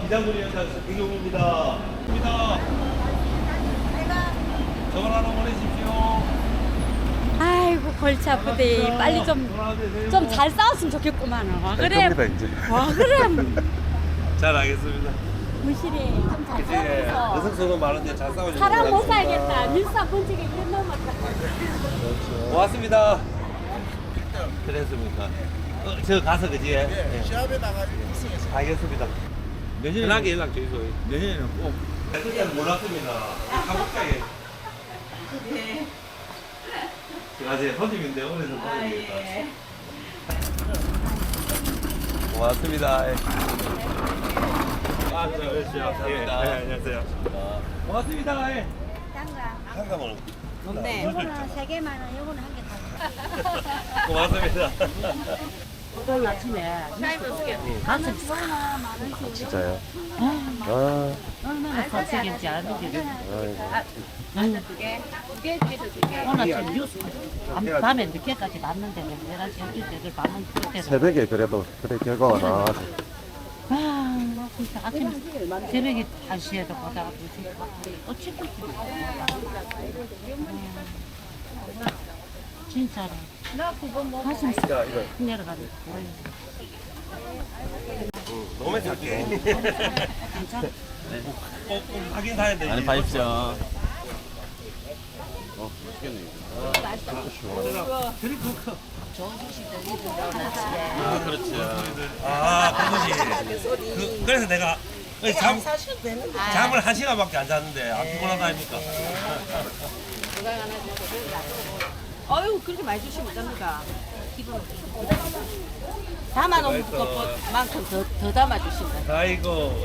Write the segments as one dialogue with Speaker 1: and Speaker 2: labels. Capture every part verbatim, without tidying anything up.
Speaker 1: 이장군이 연장 이경입니다. 입니다. 저걸 하나 보내십시오.
Speaker 2: 아이고 골치 아프대. 빨리 좀 좀 잘 싸웠으면 좋겠구만. 와 그래.
Speaker 3: 이제.
Speaker 2: 와 그래.
Speaker 1: 잘 알겠습니다.
Speaker 2: 무실이 좀 잘
Speaker 1: 이제
Speaker 2: 싸워서
Speaker 1: 여성소는 많은데 잘 싸워주세요.
Speaker 2: 사람 못 살겠다. 밀사 번지게 이런 놈 같다.
Speaker 1: 고맙습니다. 그랬습니까? 어, 저 가서 그지? 네.
Speaker 3: 시합에 나가지고 우승했어요.
Speaker 1: 알겠습니다.
Speaker 3: 내년에
Speaker 1: 편하게 연락 주세요.
Speaker 3: 내년에는 꼭
Speaker 1: 그때는 몰랐습니다. 가복장에.
Speaker 2: 네.
Speaker 1: 제가 이제 선임인데 오늘은 선임입니다. 고맙습니다. 예. 아, 네, 그렇죠. 감사합니다. 네, 안녕하세요. 고맙습니다. 예.
Speaker 2: 딴가.
Speaker 1: 상담을.
Speaker 2: 네. 요거는 세 개만 원, 요거는 한 개 다.
Speaker 1: 고맙습니다.
Speaker 4: 오늘 아침에 가슴
Speaker 3: 진짜요. 아,
Speaker 4: 얼마나 거칠겠지 아는데
Speaker 3: 아이고.
Speaker 4: 오늘 아침 뉴스 밤- 밤에 늦게까지 봤는데 열한 시 열두 시를 봤는 그때는
Speaker 3: 새벽에 그래도 그래 결과가 나와서
Speaker 4: 아 진짜 아침 새벽에 한 시에도 보다가 어찌고 진짜로 가슴 싹
Speaker 1: 자, 이거.
Speaker 4: 내려가는
Speaker 1: 너무 작게.
Speaker 4: 괜찮아
Speaker 1: 꼭, 꼭 확인사야 돼.
Speaker 5: 많이 봐십시오.
Speaker 3: 어, 맛있겠네.
Speaker 5: 아, 그렇죠.
Speaker 1: 아, 그거지. 그, 그래서 내가 잠, 잠을 한 시간밖에 안 잤는데 안 피곤하다 아닙니까?
Speaker 6: 어휴 그렇게 많이 주시면 어쩝니까? 담아놓은 것만큼 더, 더 담아주신다.
Speaker 1: 아이고.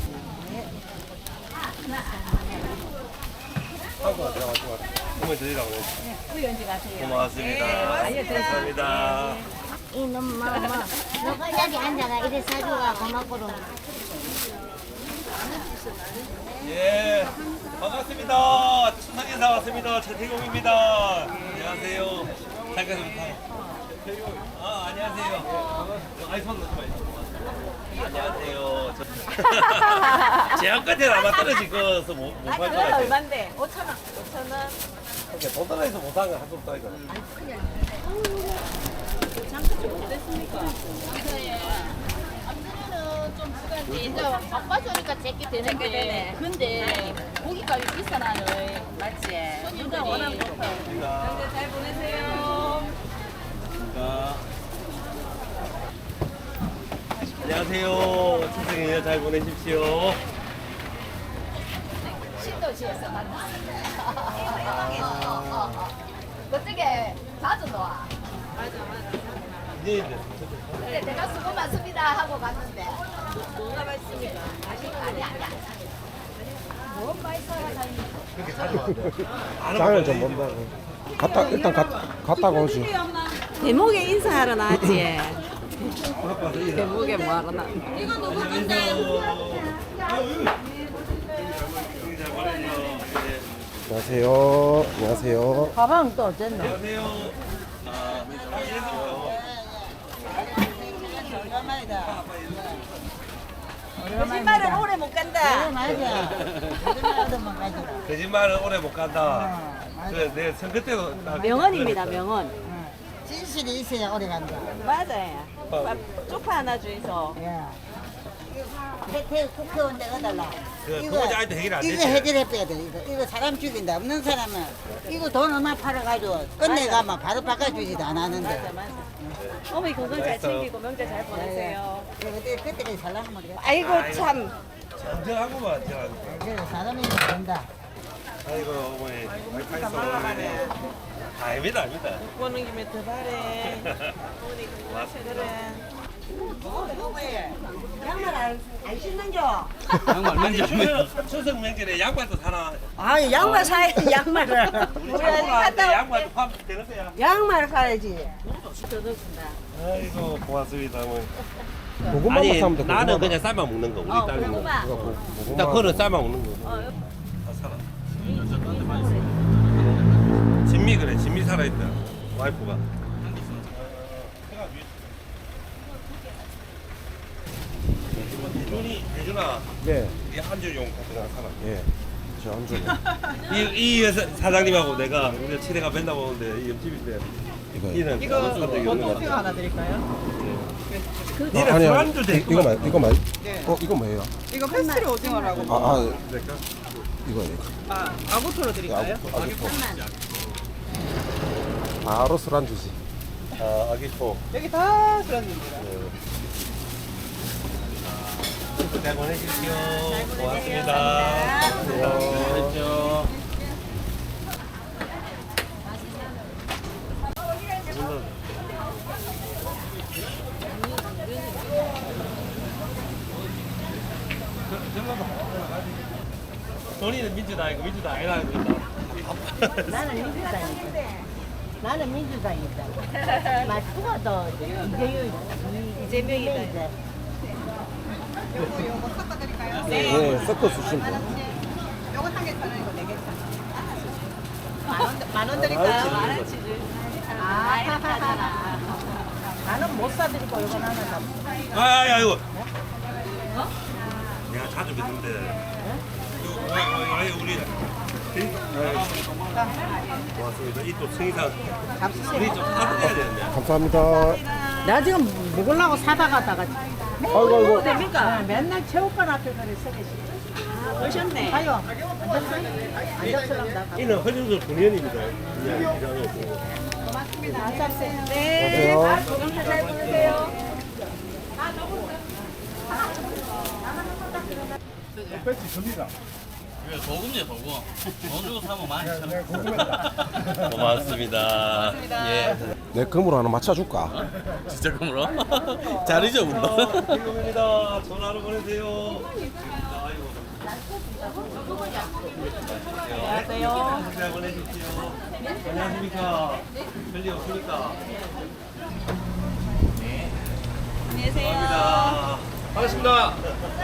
Speaker 1: 한번 드리라고 했어.
Speaker 6: 우연지 가세요.
Speaker 1: 고맙습니다. 감사합니다.
Speaker 7: 이놈 뭐, 뭐, 너가 자리 앉아가 이래 사주가 고맙고로.
Speaker 1: 예, 반갑습니다. 추석 인사 왔습니다. 최태공입니다. 안녕하세요. 잠깐 아, 안녕하세요. 아이 손 넣지 마세요. 안녕하세요. 저... 제한 끝에 아마 떨어질 거서 못못
Speaker 6: 아,
Speaker 1: 팔 것
Speaker 6: 그건
Speaker 1: 같아요.
Speaker 6: 얼만데? 오천 원. 오천 원.
Speaker 1: 이렇게 돈 떨어져서 못한 건 할수 없다 이거.
Speaker 6: 잠깐 좀 어땠습니까?
Speaker 7: 이제 바빠지니까 제끼 되는데.
Speaker 6: 근데 고기값이 비싸나요. 맞지? 손님들 워낙 높아요.
Speaker 1: 감사합니다.
Speaker 6: 잘 보내세요.
Speaker 1: 안녕하세요. 추석 연휴 잘 보내십시오.
Speaker 7: 신도시에서 만났습니다. 그쪽에 자주 나와.
Speaker 1: 네, 네.
Speaker 7: 근데 내가 수고 많습니다 하고 갔는데.
Speaker 6: 뭐가 맛있습니까?
Speaker 7: 아니, 아니, 아니. 뭔 맛있어야 다니.
Speaker 1: 그렇게 자주 왔는데.
Speaker 3: 장을 좀 본다고. 갔다 일단 갔 갔다가 오지.
Speaker 6: 대목에 인사하러 나왔지. 대목에 뭐하러 나?
Speaker 1: 이거 누구 건데?
Speaker 3: 안녕하세요. 안녕하세요.
Speaker 4: 가방 또 어쨌나
Speaker 1: 안녕하세요. 아,
Speaker 6: 거짓말은 오래 못 간다.
Speaker 1: 거짓말은 오래 못 간다. 그래, 내 선거 때도 딱
Speaker 6: 명언입니다, 명언.
Speaker 4: 진실이 있어야 오래 간다
Speaker 6: 맞아요. 밥 쪽파 하나 주이소.
Speaker 4: 태 국회의원 내가달라
Speaker 1: 그 그거지 아직도 해결 안
Speaker 4: 이거
Speaker 1: 됐지.
Speaker 4: 해결해 빼야 돼 이거 이거 사람 죽인다 없는 사람은 이거 돈 얼마 팔아가지고 끝내가면 바로 바꿔주지도 안 하는데
Speaker 6: 맞아, 맞아. 어머니 건강 잘 챙기고 명절 잘 보내세요.
Speaker 4: 그때 그때까지 살라면 모르겠다
Speaker 6: 아이고 참.
Speaker 1: 정정하고만 제가.
Speaker 4: 그래서 사람이 된다
Speaker 1: 아이고 어머니 와이파이 써보네. 아닙니다, 아닙니다.
Speaker 6: 보는 김에 더 바래.
Speaker 1: 고맙습니다.
Speaker 4: 양말 안, 안 신는겨
Speaker 5: 양말 맨날
Speaker 1: 추석, 추석 명절에 양말도 사나?
Speaker 4: 아 양말 사야 양말을
Speaker 1: 우리 갔다 양말도 파면 되는데요.
Speaker 4: 양말 사야지
Speaker 1: 아이고 고맙습니다 어머니.
Speaker 3: 고구마만
Speaker 1: 아니
Speaker 3: 사면 돼.
Speaker 1: 나는
Speaker 3: 고구마만.
Speaker 1: 그냥 삶아 먹는 거 우리
Speaker 6: 어,
Speaker 1: 딸은.
Speaker 6: 고구마.
Speaker 3: 이거 고-
Speaker 1: 일단
Speaker 3: 고구마.
Speaker 1: 그거는 삶아 먹는 거. 다 살아. 진미 그래 진미 살아있다 와이프가. 이분이 대준아
Speaker 3: 네.
Speaker 1: 이 한주용 같은 거 사람.
Speaker 3: 예. 저 안주.
Speaker 1: 이, 이 회사 사장님하고 내가 우리가 친해가 맨날 보는데 이 옆집인데
Speaker 3: 이거.
Speaker 1: 이는
Speaker 6: 이거
Speaker 1: 산 적이 없는 것
Speaker 6: 원토피가
Speaker 1: 같아.
Speaker 6: 하나 드릴까요?
Speaker 1: 니네
Speaker 3: 아니, 아니.
Speaker 1: 술안주
Speaker 3: 이-
Speaker 1: 됐구만.
Speaker 3: 이거 말 이거 말.
Speaker 6: 네.
Speaker 3: 어 이거 뭐예요?
Speaker 6: 이거 페스트리 오징어라고.
Speaker 3: 아, 아
Speaker 1: 될까?
Speaker 3: 이거 이거.
Speaker 6: 아, 아구토로 드릴까요?
Speaker 3: 아구 아구. 바로 술안주지.
Speaker 1: 아, 아기포.
Speaker 6: 여기 다 술안주입니다.
Speaker 1: 잘 보내십시오. 고맙습니다.
Speaker 5: 그렇죠.
Speaker 1: 돈이는 민주당 아니고 민주당 아니라
Speaker 7: 나는 민주당이다. 나는 민주당이다. 말투가 더 이재유 이재명이다.
Speaker 6: 요거 요거 섞어드릴까요?
Speaker 3: 네, 섞어 주시면 돼요.
Speaker 6: 요거 한 개 사는 이거 네개 사. 만원 만원 드릴까요? 만원치를. 아, 나는 못 사드리고 요거 하나 사.
Speaker 1: 아, 야, 이거. 내가 자주 뵙는데. 이거, 아, 아니, 우리. 고맙습니다. 이 또 승희상. 우리 좀 사드려야 되는데.
Speaker 3: 감사합니다.
Speaker 4: 나 지금 먹으려고 사다 가다가
Speaker 3: 아이고 아이고.
Speaker 4: 됩니까? 맨날 체육관 앞에 그래 서 계시죠. 오셨네. 가요. 앉았어요.
Speaker 1: 이는 허준수 군의원입니다. 그냥 이장에 있고.
Speaker 3: 안녕하세요.
Speaker 6: 잘 보내세요.
Speaker 5: 이거 도금이야 도금. 돈 주고 사면 많이 참.
Speaker 1: 고맙습니다. 예.
Speaker 3: 내 금으로 하나 맞춰줄까?
Speaker 5: 진짜 그물어? 잘 잊어본다.
Speaker 1: 지금입니다. 전화로 보내세요. 안녕하세요. 잘 보내십시오. 안녕하십니까. 별일 없습니까? 네. 안녕하세요. 감사합니다. 반갑습니다.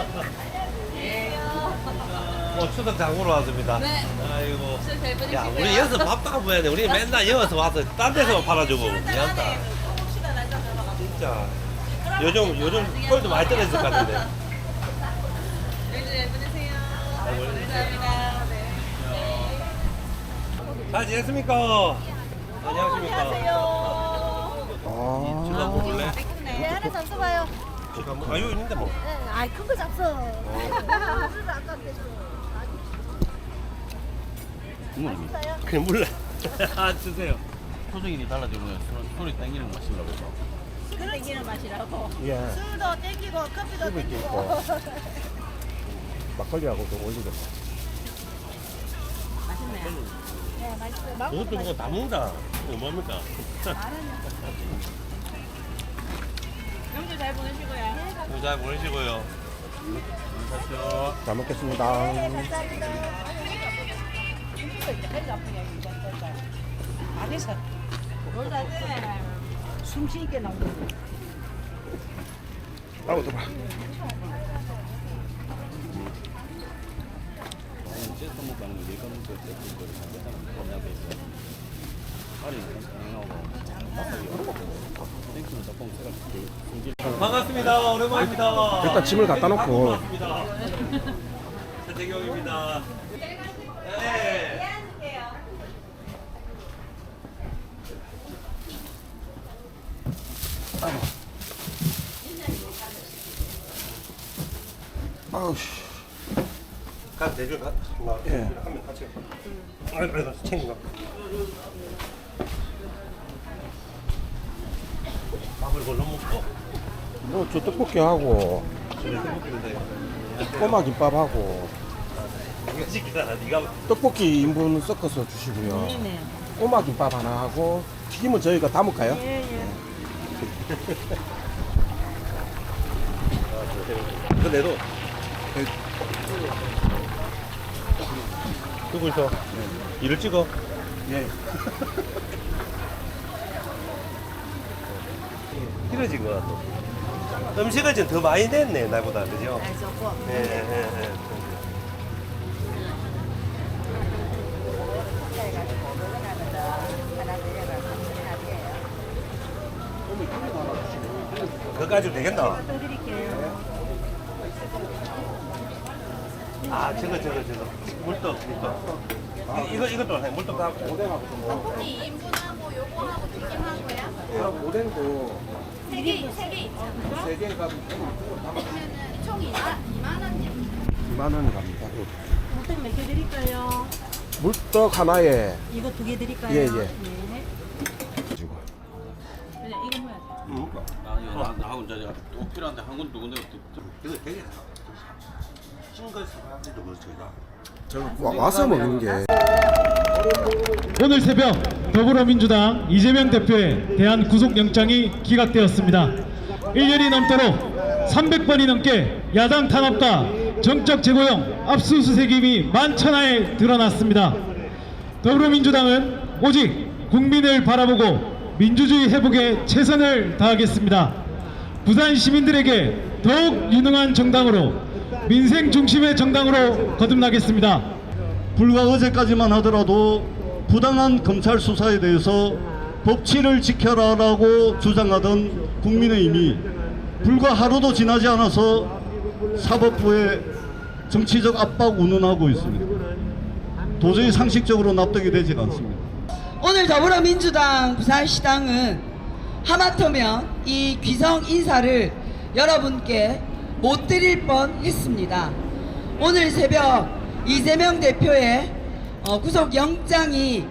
Speaker 1: 어, 추석 장보러 왔습니다. 네. 아이고. 야, 우리 여기서 밥도 안 먹어야 돼. 우리 맨날 여기서 와서 딴 데서 팔아주고. 미안하다. 진짜. 요즘, 요즘 꼴도 많이 떨어질 것 같은데. 잘 지냈습니까? 안녕하십니까?
Speaker 3: 아.
Speaker 1: 지금 한번 볼래?
Speaker 7: 네, 하나 잡숴봐요.
Speaker 1: 지금 한번, 아, 여기 있는데 뭐.
Speaker 7: 아이 큰 거 잡숴.
Speaker 1: 그냥 몰라. 아, 주세요.
Speaker 5: 표정이 달라지면 소리 땡기는 거 마시려고.
Speaker 7: 땡기는 맛이라고.
Speaker 3: 예.
Speaker 7: 술도 땡기고 커피도
Speaker 3: 술도
Speaker 7: 땡기고.
Speaker 3: 있고. 막걸리하고도 어울리겠다.
Speaker 7: 네, 맛있어요.
Speaker 1: 그것도 그거 다 먹는다. 이거 뭡니까?
Speaker 6: 명절 잘 보내시고요.
Speaker 1: 잘 보내시고요. 감사합니다.
Speaker 3: 잘 먹겠습니다.
Speaker 4: 안에서 숨 쉬게 나오는 거.
Speaker 3: 아우 더봐.
Speaker 1: 반갑습니다. 오랜만입니다.
Speaker 3: 일단 짐을 갖다 놓고.
Speaker 1: 반갑습니다. 최재경입니다. 네.
Speaker 3: 아우 씨.
Speaker 1: 가 대줄 가. 나
Speaker 3: 예.
Speaker 1: 한명 같이. 아이고 아이고 챙겨. 밥을 걸러 먹고.
Speaker 3: 뭐 저 떡볶이 하고
Speaker 1: 그래 떡볶이인데.
Speaker 3: 꼬마 김밥 하고
Speaker 1: 이거 시키잖아. 네가
Speaker 3: 떡볶이 인분 섞어서 주시고요. 꼬마 김밥 하나 하고 튀김은 저희가 담을까요?
Speaker 1: 그 내도. 누구 있어? 이를 찍어.
Speaker 3: 예.
Speaker 1: 길어진 것 같아. 음식을 좀 더 많이 냈네, 나보다. 그죠? 네, 네, 네. 그거 가지고 되겠나? 아 저거 저거 저거 물떡 물떡. 이- 이거 이것도 해 물떡 다.
Speaker 3: 오뎅하고 좀 먹어.
Speaker 8: 이 인분하고 요거하고 튀김하고요.
Speaker 3: 그럼 오뎅도
Speaker 8: 세 개, 세개 있죠.
Speaker 3: 세 개가
Speaker 8: 그러면은 총 이만 원이요.
Speaker 3: 이만 원 갑니다.
Speaker 6: 어떤 몇 개 드릴까요?
Speaker 3: 물떡 하나에
Speaker 6: 이거 두 개 드릴까요?
Speaker 3: 예, 예.
Speaker 6: 네.
Speaker 3: 가지고.
Speaker 6: 그냥 이거 뭐야?
Speaker 5: 아 이거 나, 나하고 이제 또 필요한데 한 군, 두 군데
Speaker 1: 이거 되게 싱글 사람들도 그렇죠.
Speaker 3: 와, 와서 먹는 게
Speaker 9: 오늘 새벽 더불어민주당 이재명 대표에 대한 구속영장이 기각되었습니다. 일 년이 넘도록 삼백 번이 넘게 야당 탄압과 정적 제고용 압수수색임이 만천하에 드러났습니다. 더불어민주당은 오직 국민을 바라보고 민주주의 회복에 최선을 다하겠습니다. 부산 시민들에게 더욱 유능한 정당으로 민생 중심의 정당으로 거듭나겠습니다.
Speaker 10: 불과 어제까지만 하더라도 부당한 검찰 수사에 대해서 법치를 지켜라라고 주장하던 국민의힘이 불과 하루도 지나지 않아서 사법부에 정치적 압박 운운하고 있습니다. 도저히 상식적으로 납득이 되지 않습니다.
Speaker 11: 오늘 더불어민주당 부산시당은 하마터면 이 귀성 인사를 여러분께 못 드릴 뻔했습니다. 오늘 새벽 이재명 대표의 어, 구속영장이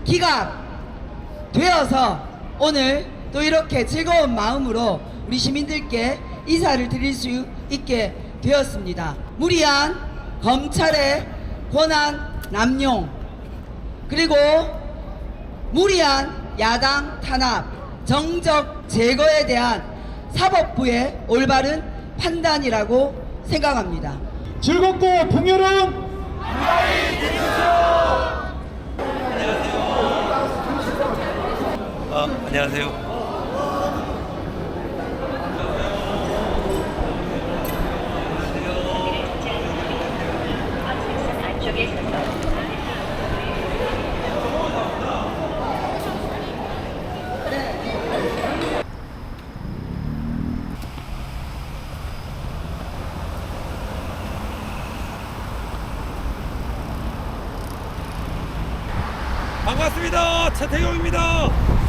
Speaker 11: 기각되어서 오늘 또 이렇게 즐거운 마음으로 우리 시민들께 인사를 드릴 수 있게 되었습니다. 무리한 검찰의 권한 남용 그리고 무리한 야당 탄압 정적 제거에 대한 사법부의 올바른 판단이라고 생각합니다.
Speaker 9: 즐겁고 풍요로운
Speaker 1: 어, 안녕하세요. 반갑습니다. 차태경입니다.